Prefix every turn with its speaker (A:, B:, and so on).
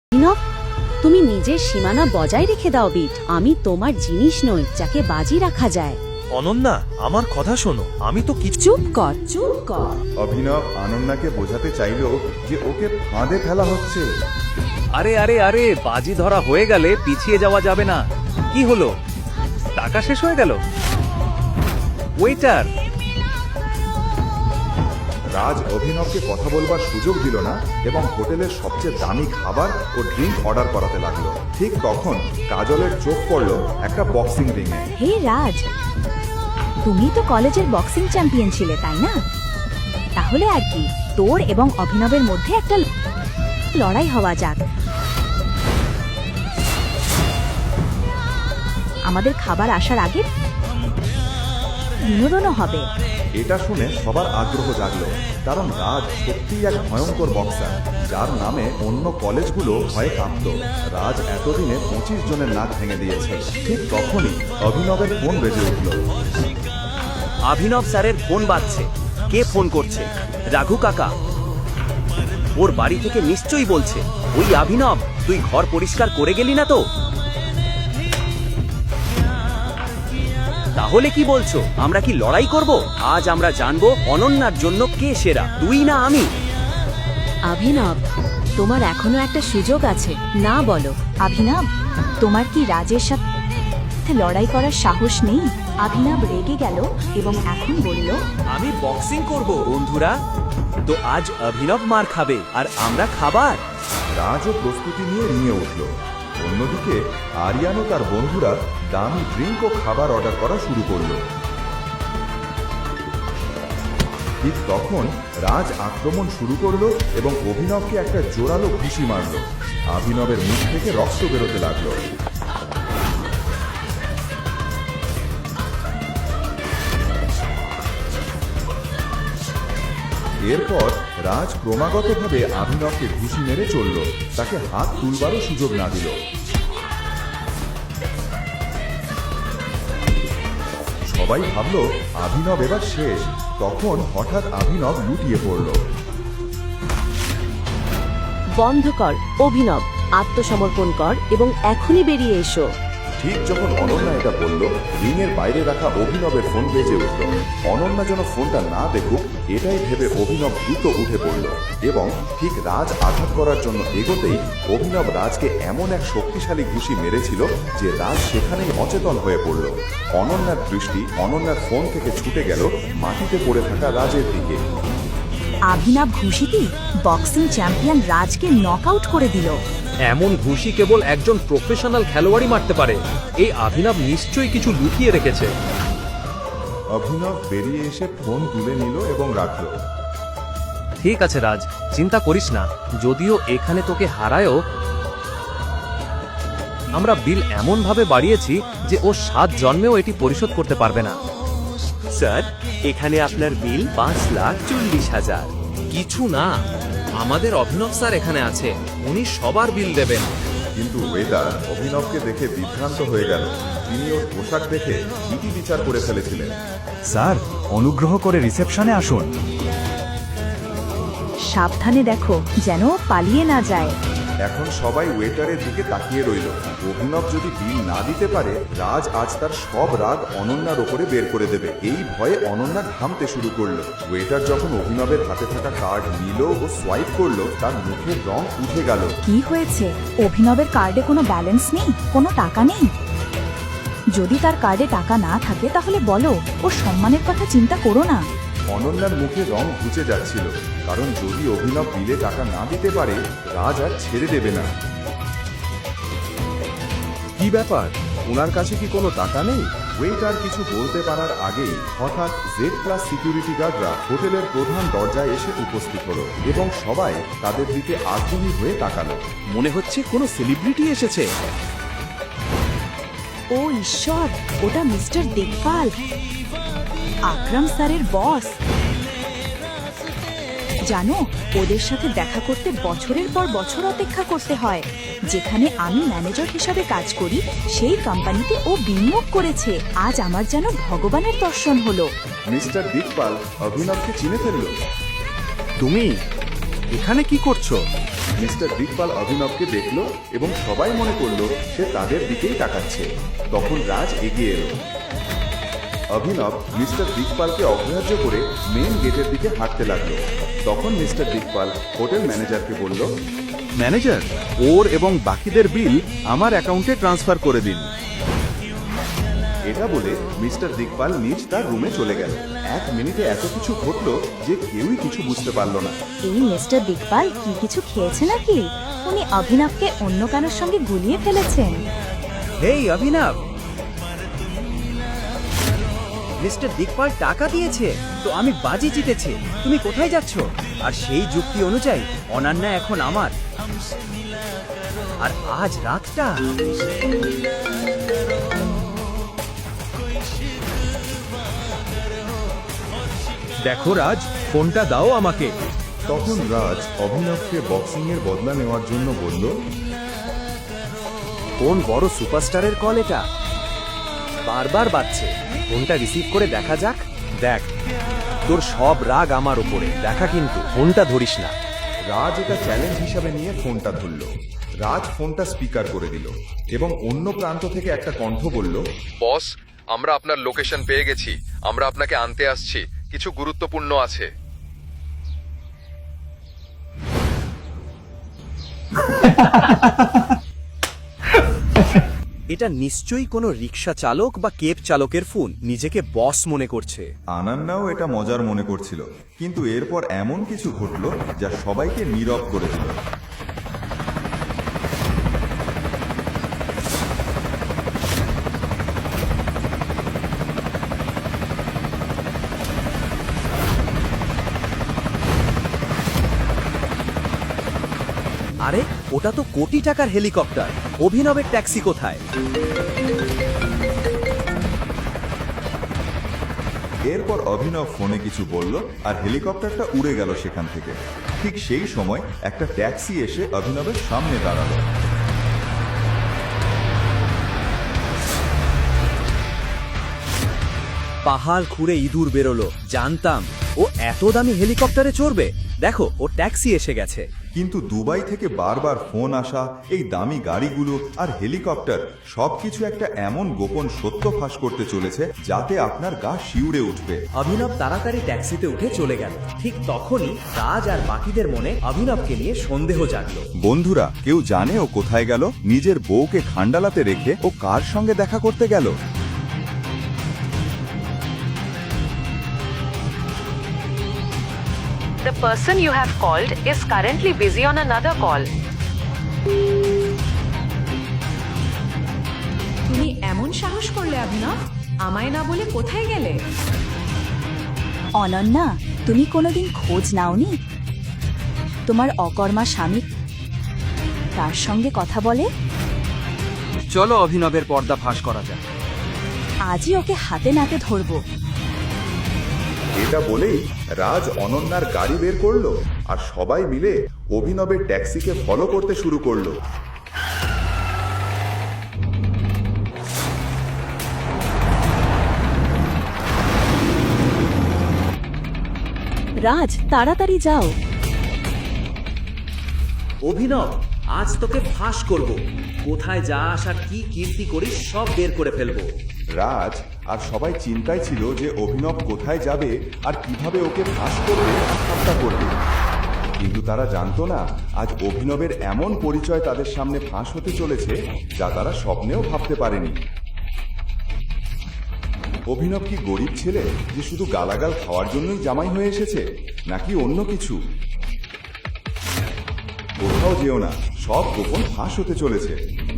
A: অভিনব, তুমি নিজের সীমানা বজায় রেখে দাও বিট। আমি তোমার জিনিস নই যাকে বাজি রাখা যায়।
B: অনন্যা, আমার কথা শোনো, আমি তো কিছু।
A: চুপ কর, চুপ কর।
C: অভিনব অনন্যাকে বোঝাতে চাইল যে ওকে ফাঁদে ফেলা হচ্ছে।
D: আরে আরে আরে, বাজি ধরা হয়ে গেলে পিছিয়ে যাওয়া যাবে না। কি হলো, টাকা শেষ হয়ে গেল? ওয়েটার!
C: রাজ অভিনবকে কথা বলবার সুযোগ দিল না এবং হোটেলের সবচেয়ে দামি খাবার ও ড্রিঙ্ক অর্ডার করাতে লাগলো। ঠিক তখন কাজলের চোখ পড়ল একটা বক্সিং রিংয়ে।
E: হে রাজ, তুমি তো কলেজের বক্সিং চ্যাম্পিয়ন ছিলে, তাই না? তাহলে আর কি, তোর এবং অভিনবের মধ্যে একটা লড়াই হওয়া যাক। আমাদের খাবার আসার আগে বিনোদনও হবে।
C: এটা শুনে সবার আগ্রহ জাগলো, কারণ রাজ সত্যিই এক ভয়ঙ্কর বক্সার যার নামে অন্য কলেজগুলো ভয়ে কাঁপত। রাজ এতদিনে 25 জনের নাক ভেঙে দিয়েছে। ঠিক তখনই অভিনবের ফোন বেজে উঠল।
D: অভিনব স্যারের ফোন বাজছে। কে ফোন করছে? রাঘু কাকা। ওর বাড়ি থেকে নিশ্চয়ই বলছে, ওই অভিনব, তুই ঘর পরিষ্কার করে গেলি না তো? তাহলে কি বলছো, আমরা কি লড়াই করব? আজ আমরা জানবো অনন্যার জন্য কে সেরা, তুই না আমি।
A: অভিনব, তোমার এখনো একটা সুযোগ আছে, না বলো?
E: অভিনব, তোমার কি রাজের সাথে লড়াই করার সাহস নেই? অভিনব রেগে গেল এবং এখন বলল,
D: আমি বক্সিং করব বন্ধুরা। তো আজ অভিনব মার খাবে আর আমরা খাবার।
C: রাজও প্রস্তুতি নিয়ে রিঙে উঠল। অন্যদিকে আরিয়ান ও তার বন্ধুরা দামি ড্রিঙ্ক ও খাবার অর্ডার করা শুরু করল। ঠিক তখন রাজ আক্রমণ শুরু করলো এবং অভিনবকে একটা জোরালো ঘুষি মারল। অভিনবের মুখ থেকে রক্ত বেরোতে লাগলো। এরপর রাজ ক্রমাগতভাবে অভিনবকে ঘুষি মেরে চলল, তাকে হাত তুলবারও সুযোগ না দিল। সবাই ভাবল অভিনব এবার শেষ। তখন হঠাৎ অভিনব লুটিয়ে পড়ল।
A: বন্ধ কর অভিনব, আত্মসমর্পণ কর এবং এখনই বেরিয়ে এসো।
C: ঠিক যখন অনন্যা এটা বলল, রিংয়ের বাইরে রাখা অভিনবের ফোন বেজে উঠল। অনন্যা যেন ফোনটা না দেখুক এটাই ভেবে অভিনব দ্রুত উঠে পড়ল এবং ঠিক রাজ আঘাত করার জন্য এগোতেই অভিনব রাজকে এমন এক শক্তিশালী ঘুষি মেরেছিল যে রাজ সেখানেই অচেতন হয়ে পড়ল। অনন্যার দৃষ্টি অনন্যার ফোন থেকে ছুটে গেল মাটিতে পড়ে থাকা রাজের দিকে।
E: অভিনব ঘুষিটি বক্সিং চ্যাম্পিয়ন রাজকে নকআউট করে দিল।
D: এমন ঘুষি কেবল একজন প্রফেশনাল খেলোয়াড়ই মারতে পারে। এই অভিনব নিশ্চয়ই কিছু লুকিয়ে রেখেছে।
C: অভিনব বেরিয়ে এসে ফোন তুলে নিল এবং রাখল।
D: ঠিক আছে রাজ, চিন্তা করিস না। যদিও এখানে তোকে হারায়ও, আমরা বিল এমন ভাবে বাড়িয়েছি যে ও 7 জন্মেও এটি পরিশোধ করতে পারবে না। স্যার, এখানে আপনার বিল 5,40,000। কিছু না, আমাদের অভিনব স্যার এখানে আছে, উনি সবার বিল দেবেন।
C: কিন্তু ওয়েদার অভিনবকে দেখে বিভ্রান্ত হয়ে গেল। তিনি ওর পোশাক দেখে ইতি বিচার করে ফেলেছিলেন।
F: স্যার, অনুগ্রহ করে রিসেপশনে আসুন।
E: সাবধানে দেখো যেন পালিয়ে না যায়।
C: এখন সবাই ওয়েটারের দিকে তাকিয়ে রইল। অভিনব যদি বিল না দিতে পারে, রাজ আজ তার সব রাগ অনন্যার ওপরে বের করে দেবে। এই ভয়ে অনন্যা ঘামতে শুরু করলো। ওয়েটার যখন অভিনবের হাতে থাকা কার্ড নিল ও সোয়াইপ করলো, তার মুখের রং উঠে গেল।
E: কি হয়েছে? অভিনবের কার্ডে কোনো ব্যালেন্স নেই, কোনো টাকা নেই? যদি তার কার্ডে টাকা না থাকে তাহলে বলো, ওর সম্মানের কথা চিন্তা করো না।
C: অনন্যার মুখে রং ঘুচে যাচ্ছিল, কারণ যদি অভিনব বিলে টাকা না দিতে পারে, রাজ আর ছেড়ে দেবে না।
G: কি ব্যাপার, ওনার কাছে কি কোনো টাকা নেই?
C: ওয়েটার কিছু বলতে পারার আগেই হঠাৎ জেড ক্লাস সিকিউরিটি গার্ডরা হোটেলের প্রধান দরজায় এসে উপস্থিত হলো এবং সবাই তাদের দিকে আগ্রহী হয়ে তাকালো।
D: মনে হচ্ছে কোনো সেলিব্রিটি এসেছে।
E: ও ঈশ্বর, ওটা মিস্টার দেখভাল, আকরাম স্যারের বস। জানো, ওদের সাথে দেখা করতে বছরের পর বছর অপেক্ষা করতে হয়। যেখানে আমি ম্যানেজার হিসাবে কাজ করি, সেই কোম্পানিতে ও বিনিয়োগ করেছে। আজ আমার যেন ভগবানের দর্শন হলো।
C: মিস্টার দিকপাল অভিনবকে চিনে ফেলল।
D: তুমি
G: এখানে কি করছো?
C: মিস্টার দিকপাল অভিনবকে দেখলো এবং সবাই মনে করলো সে তাদের দিকেই তাকাচ্ছে। তখন রাজ এগিয়ে এলো। অভিনব মিস্টার দিকপালকে অগ্রাহ্য করে মেন গেটের দিকে হাঁটতে লাগলো। তখন মিস্টার দিকপাল হোটেল ম্যানেজারকে বলল,
G: ম্যানেজার, ওর এবং বাকিদের বিল আমার অ্যাকাউন্টে ট্রান্সফার করে দিন।
C: এটা বলে মিস্টার দিকপাল নিজ তার রুমে চলে গেল। 1 মিনিটে এত কিছু ঘটলো যে কেউই কিছু বুঝতে পারলো না।
E: এই মিস্টার দিকপাল কি কিছু খেয়েছে নাকি? উনি অভিনবকে অন্য কারোর সঙ্গে গুলিয়ে ফেলেছেন।
D: হেই অভিনব, মিস্টার দিকপাল টাকা দিয়েছে তো আমি বাজি জিতেছি। তুমি কোথায় যাচ্ছ? আর সেই যুক্তি অনুযায়ী অনন্যা এখন আমার। আর আজ রাতটা
G: দেখো রাজ, ফোনটা দাও আমাকে।
C: তখন রাজ অভিনবকে বক্সিং এর বদলা নেওয়ার জন্য বলল,
D: কোন বড় সুপারস্টারের কল এটা? বারবার বাজছে, ফোনটা রিসিভ করে দেখা যাক। দেখ, তোর সব রাগ আমার উপরে, দেখা কিন্তু ফোনটা ধরিস না।
C: রাজ এটা চ্যালেঞ্জ হিসাবে নিয়ে ফোনটা ধরল। রাজ ফোনটা স্পিকার করে দিল এবং অন্য প্রান্ত থেকে একটা কণ্ঠ বলল,
H: বস, আমরা আপনার লোকেশন পেয়ে গেছি। আমরা আপনাকে আনতে আসছি, কিছু গুরুত্বপূর্ণ আছে।
D: এটা নিশ্চয়ই কোনো রিক্সা চালক বা কেব চালকের ফোন, নিজেকে বস মনে করছে।
C: আনান্নাও এটা মজার মনে করছিল, কিন্তু এরপর এমন কিছু ঘটলো যা সবাইকে নীরব করে দিল।
D: আরে, ওটা তো কোটি টাকার হেলিকপ্টার। অভিনবের ট্যাক্সি কোথায়?
C: এরপর অভিনব ফোনে কিছু বলল আর হেলিকপ্টারটা উড়ে গেল সেখান থেকে। ঠিক সেই সময় একটা ট্যাক্সি এসে অভিনবের সামনে দাঁড়ালো।
D: পাহাড় খুঁড়ে ইঁদুর বেরোলো, জানতাম ও এত দামি হেলিকপ্টারে চড়বে। দেখো, ও ট্যাক্সি এসে গেছে।
C: কিন্তু দুবাই থেকে বারবার ফোন আসা, এই দামি গাড়িগুলো আর হেলিকপ্টার সবকিছু একটা এমন গোপন সত্য ফাঁস করতে চলেছে যাতে আপনার গা শিউরে উঠবে।
D: অভিনব তাড়াতাড়ি ট্যাক্সিতে উঠে চলে গেল। ঠিক তখনই রাজ আর বাকিদের মনে অভিনবকে নিয়ে সন্দেহ জাগলো।
C: বন্ধুরা, কেউ জানে ও কোথায় গেল? নিজের বউকে খান্ডালাতে রেখে ও কার সঙ্গে দেখা করতে গেল?
A: The person you have called is currently busy on another call.
E: তুমি এমন সাহস করলে অভিনব? আমায় না বলে কোথায় গেলে? অনন্যা, তুমি কোনোদিন খোঁজ নাওনি তোমার অকর্মা স্বামী তার সঙ্গে কথা বলে?
D: চলো অভিনবের পর্দা ফাঁস করা যাক।
E: আজই ওকে হাতে নাতে ধরবো।
C: এটা বলেই রাজ অনন্যার গাড়ি বের করলো আর সবাই মিলে অভিনবের ট্যাক্সিকে ফলো করতে শুরু করলো।
A: রাজ, তাড়াতাড়ি যাও।
D: অভিনব, আজ তোকে ফাঁস করব। কোথায় যা আসার কি কীর্তি করিস সব বের করে ফেলবো।
C: রাজ আর সবাই চিন্তায় ছিল যে অভিনব কোথায় যাবে আর কিভাবে ওকে ফাঁস করবে, ঠাট্টা করবে। কিন্তু তারা জানতো না আজ অভিনবের এমন পরিচয় তাদের সামনে ফাঁস হতে চলেছে যা তারা স্বপ্নেও ভাবতে পারেনি। অভিনব কি গরিব ছেলে যে শুধু গালাগাল খাওয়ার জন্যই জামাই হয়ে এসেছে, নাকি অন্য কিছু? কোথাও যেও না, সব গোপন ফাঁস হতে চলেছে।